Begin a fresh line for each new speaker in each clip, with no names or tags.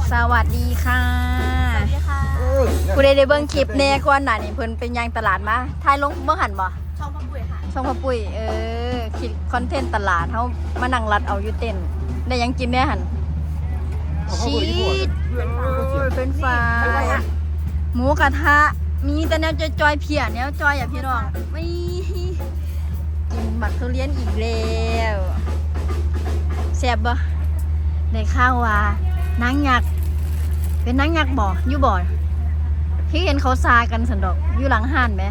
สวัสดีค่ะ
สวัสดีค่ะ
ผู้ใดได้เบิ่งคลิปแน่ก่อนหน้านี้เพิ่นเป็นยังตลาดมาถ่ายลงเบิ่งหันบ่
ช่องพ่อปุ๋ยค่ะ
ช่องพ่อปุ้ยคิดคอนเทนต์ตลาดเฮามานั่งรัดเอาอยู่เต้นได้หยังกินแน่หันชีสเป็นฟ้าหมูกระทะมีแต่แนวจอยๆเพียแนวจอยอ่ะพี่น้องไม่กินหมักทุเรียนอีกแล้วแซ่บบ่ได้ข้าวว่านางยักษ์เป็นนางยักษ์บ่อยู่บ่ที่เห็นเขาซากันสันดอกอยู่หลังห้านไหม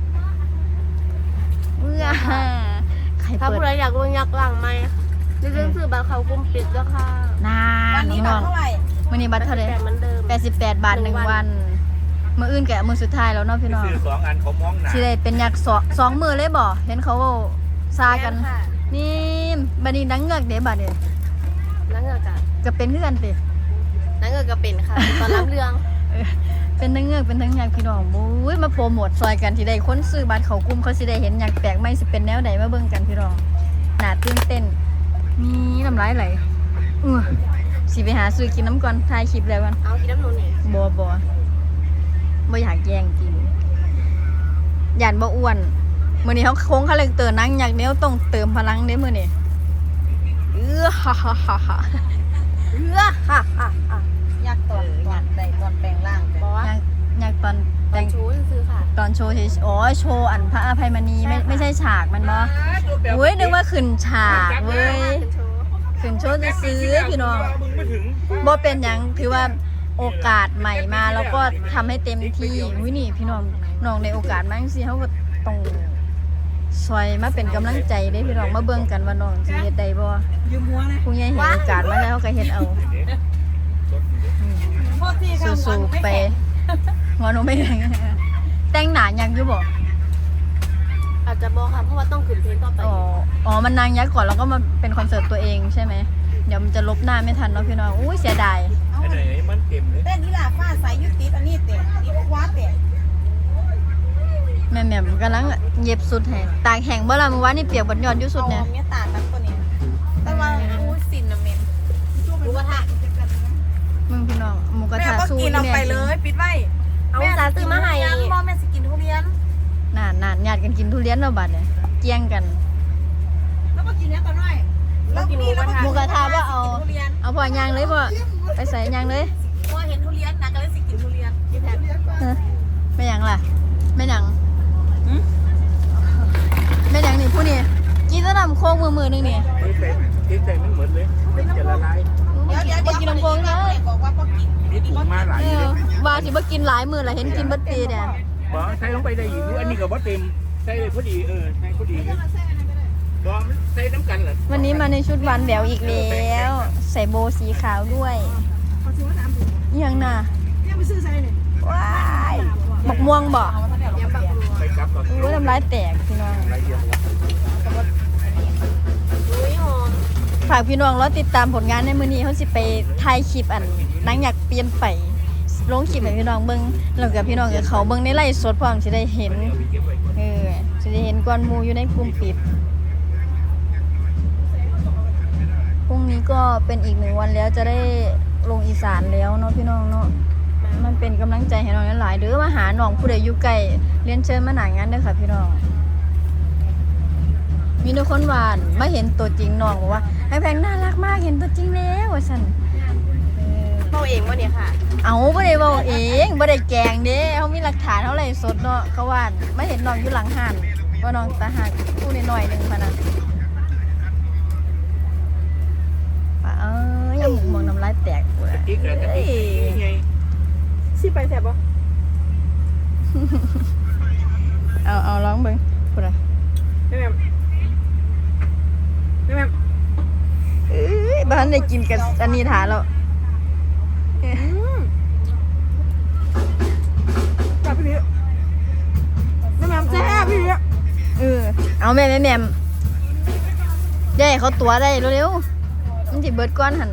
เมื่อใคร
ถ้า
เปิด
ผู้ใดอยากรู้ยักษ์หลังไหมเรื่องซื้อบัตรเขากุมปิดแล้วค่ะ
นานพี่น้องมื้อนี้บัตรเท่าไหร่
แต่เหมือนเดิม
88 บาท1วันมื้ออื่นก็มื้อสุดท้ายแล้วเนาะพี่น้อง
ซื้อ2 อันเขามองหนา
สิได้เป็นยักษ์สองมื้อเลยบ่เห็นเขาซากันนี่บัดนี้นางเงือกเด้บัดนี้
นั่งเงือกกัน
ก็เป็นคือกันติ
นั่งเงือกก็เป็นค่ะตอนรับเรื่อง
เป็นทั้งเงือกเป็นทั้งยักษ์พี่น้องโอ้ยมาโปรโมทซอยกันที่ได้คนซื้อบัตรเขากลุ่มเขาสิได้เห็นยักษ์แปลกใหม่สิเป็นแนวใดมาเบิ่งกันพี่น้องน่าตื่นเต้นมีน้ำลายไหลสิไปหาซื้อกินน้ำก่อนถ่ายคลิปแล้วกัน
เอากินน้ำหนูนี่
บ่อยากแย่งกินย่านบ่อ้วนมื้อนี้เขาโค้งคาแรคเตอร์นั่งยักษ์แนวต้องเติมพลังเด้มื้อนี้ฮ่าฮ่าฮ่าฮ่า
ยักษ์ตอนใดตอนแปลงร่างบอกว่า
ยักษ์ตอน
ต
แต่
อน
ง
ชูซื้อค่ะ
ตอนโชว์โชว์อันพระอภัยมณีไม่ใช่ฉากมันบ่เว้ยนึกว่าขึ้นฉากเว้ยขึ้นโชว์จะซื้อพี่น้องบ่เป็นหยังถือว่าโอกาสใหม่มาแล้วก็ทำให้เต็มที่อุ้ยนี่พี่น้องน้องในโอกาสมาจังซี่เฮาก็ต้องซอยมาเป็นกำลังใจเด้พี่น้องมาเบิ่งกันว่าน้องสิเฮ็ดได้บ่ยืมหัวนะผู้ใหญ่เห็นโอกาสมาแล้วก็เฮ็ดเอาสู้ๆไปหัวหนูไม่แรงแต่งหน้ายังอยู่บ่
อาจจะบอกค่ะเพราะว่าต้องขึ้นเพลงต่อไป
อ๋อมันนางยักษ์ก่อนแล้วก็มาเป็นคอนเสิร์ตตัวเองใช่ไหมเดี๋ยวมันจะลบหน้าไม่ทันเนาะพี่น้องอุ้ยเสียดาย
ไอ้ไหนมันเต็มเลย
เต้นนี่ล่ะฟ้าใสยุติดอันนี้เตะนี่คว้าเตะ
แม่กำลังเย็บสุดให้ตากแห้งบ่ล่ะเมื่อวานนี่เปียกบนยอดอยู่สุดเนี่ย
เอาเมียตาตักตัวนี้แต่ว่าอู้สินนะเมน
หมูกระทะ
มึงพี่น้องหมูกระ
แม่
ทะ
ก็
สู้
กินเอาไปเลยปิดไว้
เอาสาซื้อมาให้
พ่อแม่สิกินทุเรียน
นานญาติกันกินทุเรียนแล้วบัดเนี่ยเกี้ยงกัน
แล้วก็กินเนี้ยกันหน่อยแล้วนี่แล้ว
หมูกระทะว่าเอา
ทุเรียน
เอาพอย่างเลยพ่อไปใส่ย่างเลย
พอเห็นทุเรียนนะก็เลยสิกินทุเรียนกินแทน
ไม่หยังล่ะไม่หยังไม่หยังนี่ผู้นี่กินแตะนำโค้งมือนึงนี่
ที่ใส่มันเหมือนเลยจะละลาย
บ่กินน้ำโค้งนะ
บอกว่าก็กิน
นี่ถุงมาหลายเลย
ว่าสิบ่กินหลายมื้อละเห็นกินบัดปีเนี่ย
บอกใส่ลงไปได้อีกอันนี้ก็บ่เต็มใส่เลยพอดีใส่พอดีบอกมันใส่น้ำกันเหรอ
วันนี้มาในชุดหวานแหววอีกแล้ว ใส่โบสีขาวด้วยยังน่ะ
เนี่ยไปซื้อใส่เนี่ย
ว้ายบักม่วงบ่
ไปกลับก่อน
อู้น้ำลายแตกพี่น้อง
ละเอียดละ
อุ้ยหอม
ฝากพี่น้องรอติดตามผลงานในมื้อนี้เขาสิไปถ่ายคลิปอันนางอยากเปลี่ยนไปลงคลิปให้พี่น้องเบิ่งแล้วก็พี่น้องกับเขาเบิ่งในไลฟ์สดพร้อมสิได้เห็นสิได้เห็นก่อนหมู่อยู่ในกลุ่มปิดพรุ่งนี้ก็เป็นอีก1 วันแล้วจะได้ลงอีสานแล้วเนาะพี่น้องเนาะมันเป็นกำลังใจให้น้องหลายๆเด้อมาหาน้องผู้ใดอยู่ไกลเรียนเชิญมาหน้างานเด้อค่ะพี่น้องมีทุกคนหวานมาเห็นตัวจริงน้องบอกว่าไอ้แพงน่ารักมากเห็นตัวจริงแล้วว่าซั่น
เมาเองวะเนี่ยค่ะ
เอาบ่ได้เว้าเองบ่ได้แกล้งเด้เขามีหลักฐานเท่าไหร่สดเนาะเขาว่ามาเห็นน้องอยู่หลังห้านว่าน้องตาหักผู้น้อยๆนึงพะนะยังหมองน้ำลายแตกกู
กะ
ละ
ทิกระทิไง
สิไปแสบปะ
เอาร้องเบิ่งพูดอ่ะ
แม่แม่
บ้านได้กินกับอันนี้ถาแล้ว
จับพี่แม่แซ่บพี่
เอาแม่ได้เขาตัวได้เร็วๆมันสิเบิดก้อนหั่น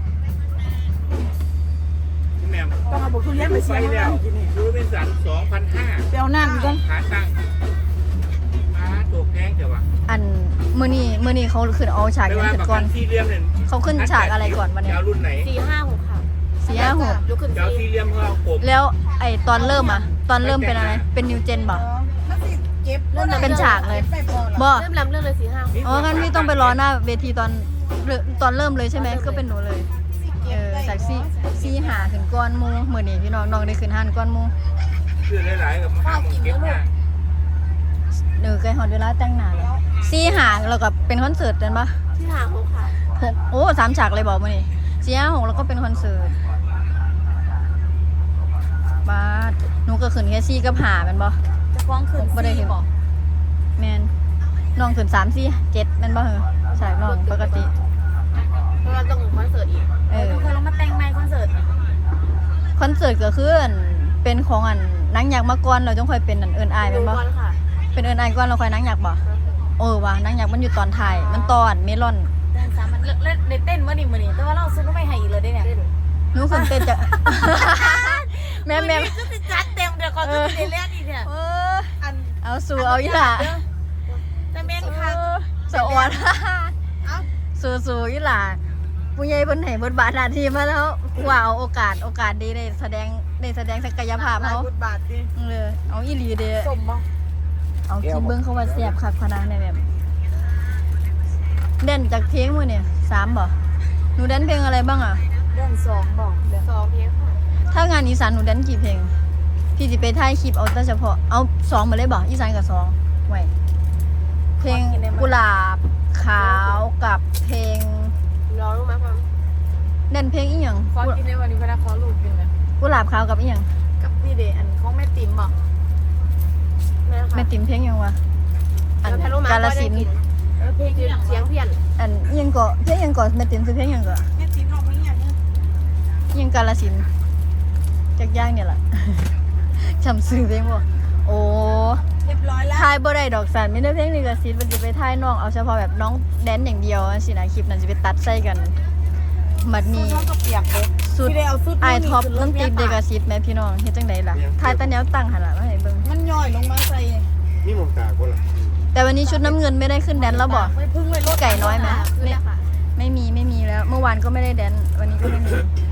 แม่
ต้องเอาบุกทุเรียนไป
ไป
เสีย
แล้วดูเป็นสัน 2,500
เดี๋ยวนั่นกัน
ขาตั้งตัวแพงเดี๋ยววะ
อันมื้อนี้เขาขึ้นเอาฉาก
ไม่
ยัง
ว่า
ขึ้น
ประ
ก่
กั
อน
นที่เรียมเนี่ย
เขาขึ้นฉากอะไรก่อนวันนี้
จะเอารุ่นไหน
4 5 6ค่ะ
4
ยกขึ้น
เจ้า
ซี
สี่เหลี่ยมเขากบ
แล้วไอตอนเริ่มอะตอนเริ่มเป็นอะไรเป็นนิวเจนบ่
มันสิเจ็บ
เป็นฉากเลย
ไปพอ
บ่
เริ่มลำเรื่องเลย4-5
อ๋องั้นพี่ต้องไปรอหน้าเวทีตอนเริ่มเลยใช่ไหมก็เป็นหนูเลยจากซีหาขึ้นก้อนหมูเหมือนนี่พี่น้องได้ขึ้นหันก้อนหมู
คือหลายๆกับข้าวกินเก็บหน้า
ใกล้ฮอดเวลาแต่งหน้าแล้วซีหาแล้วก็เป็นคอนเสิร์ตกันปะ
ที่หา6ค่ะ
6โอ้3ฉากเลยบอกมื้อนี้4-5-6แล้วก็เป็นคอนเสิร์ตบาดหนูก็ขึ้นแค่4กับ5แม่นบ่
จะฟ้องคืน
บ่ได้เห็นแม่นน้องขึ้น3 4 7แม่นบ่เหรอฉากน้องปกติ
เพราะว่าต้องคอนเสิร์ตอีก
ทุกคนลงมาแต่งใหม่คอนเสิร์ต
คอนเสิร์ตก็คือเป็นของนางยักษ์มาก่อนเราต้องค่อยเป็นเอิ้นอาย
ดู
แม่นบ่
ก่อนค่ะ
เป็นเอิ้นอายก่อนเราค่อยนางยักษ์บ่ว่านางยักษ์มันอยู่ตอนท้ายมันตอนเมลอน
แต่งสามมันเล่นเต้นมื้อนี้แต่ว่าเราซุปไม่ให้อีกเลยได้เนี่ย
หนูขึ้นเต้นจะ แม่
ก็สิจัดเต็มเดี๋ยวก่อนจะไปเล่นอีกเนี่ย
เออ
อัน
เอาสู่เอาอีหล่ะ
แต่เมนค่ะ
สะออน
เอ้า
สู่อีหล่ะผู้ใหญ่เพิ่นให้บทบาทหน้าที่มาแล้วว่าเอาโอกาสดีได้แสดงศักยภาพ
หลาย
เขา
บทบาทดิ
เอาอีหลีเด้
สมบ่
เอาคิดเบิ่งเขาว่าแซ่บคักพะนะในแบบเด่นจากเพลงมื้อนี่3บ่หนูแดนเพลงอะไรบ้างอ่ะ
เดือน2บอกเดือน
2 เพลงค่ะ
ถ้างานอีสานหนูแดนกี่เพลงพี่สิไปถ่ายคลิปเอาแต่เฉพาะเอา2มาเลยบ่อีสานกับ2ไว้เพลงกุหลาบขาวกับเพลง
รอรู้ไหมความ
เด่นเพลงอีหยัง
ขอกินในวันนี้พนักขอลูกกินเลย
กุหลาบขาวกับอีหยัง
กับนี่เดอันของแม่ติ๋มบอก
แม่ค่ะ
แม่ติ๋มเพลงหยังวะอัน
แล้วพารู้มาก
าฬสินธุ์
เพลงที่อย่าง
เสียงเพี้ยน
อันอีหยังก็เพลงหยังก็แม่ติ๋มคือเพลงหยังก็
แม่ติ๋มร้องเพลงอย่างนี้
อีหยังกาฬสินธุ์จักอย่างเนี่ยล่ะ จำชื่อเพลงบ่โอ้
เรียบร้อยแล้ว
ทายบ่ได้ดอกสันมีแต่เพลงลิขสิทธิ์มันจะไปทายน้องเอาเฉพาะแบบน้องแดนอย่างเดียวสินะคลิปนั้นสิไปตัดใส่กันบัดนี้
น้องก็เปียกเลย
สุด
ที่ได้เอาสุด
ไอท็อปต้องติดลิขสิทธิ์แม่พี่น้องเฮ็ดจังไดล่ะทายแต่แนวตั้งหั่นล่ะมาให้เบิ่ง
มันย่อยลงมาใส่
นี่มองตาคนละ
แต่วันนี้ชุดน้ำเงินไม่ได้ขึ้นแดนแล้วบ่
ไม่พึ่งเลยรถ
ไก่น้อยไหม
ขึ้นแล้วค่ะ
ไม่มีแล้ว เมื่อวานก็ไม่ได้แดนวันนี้ก็ไม่มี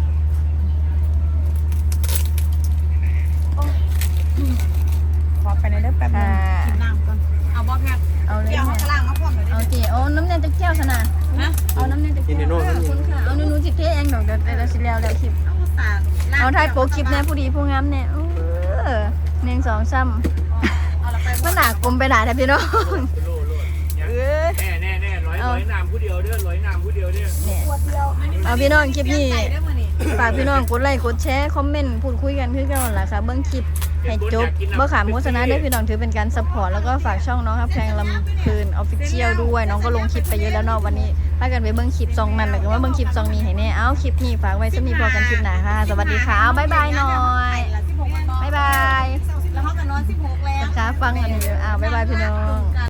ขอไปในเด้อแป๊บนึงกินน้ำก่อนเอาบ่แพ็ค
เอาเลย
เกี่ยวเขา
แม่
กระล่างมาพร้อมเลย
เอาจีเอาน้ำแดงจะแก้วซะนะ
นะ
เอาน้ำแดงจะแก้วขอบคุณค่ะเอาหนูสิเทเองดอกเดี๋ยวสิแล้วคลิป
เอาสาก
เอาถ่ายโปรคลิปแน่ผู้ดีผู้งามแน่1 2 3
เอาละไป
มันหนากลมไปหนาแท้พี่น้อง
โลแน่ร้อยน้ำผู้เดียวเด้อร้อยน้ำผู้เดียวเด้อ
เนี่ย
ขวดเดียว
เอาพี่น้องคลิปนี้
ไก่ได้มื้อนี้
ฝากพี่น้องกดไลค์กดแชร์คอมเมนต์พูดคุยกันคือกันนั่นล่ะค่ะเบิ่งคลิปให้จบบ่ขามโฆษณาได้อพี่น้องถือเป็นการซัพพอร์ตแล้วก็ฝากช่องน้องครับแพงลำเพลิน Official ด้วยน้องก็ลงคลิปไปเยอะแล้วเนาะวันนี้พากันไปเบิ่งคลิปซองนั้นหมายถึงว่าเบิ่งคลิปซองนี้ให้แน่เอาคลิปนี้ฝากไว้ซะมีพอกันคลิปหน้าค่ะสวัสดีค่ะเอาบ๊ายบายหน่อยบ๊ายบาย
แล้วเขาก็นอน16แล้ว
นะคะฟังอันนี้บ๊ายบายพี่น้อง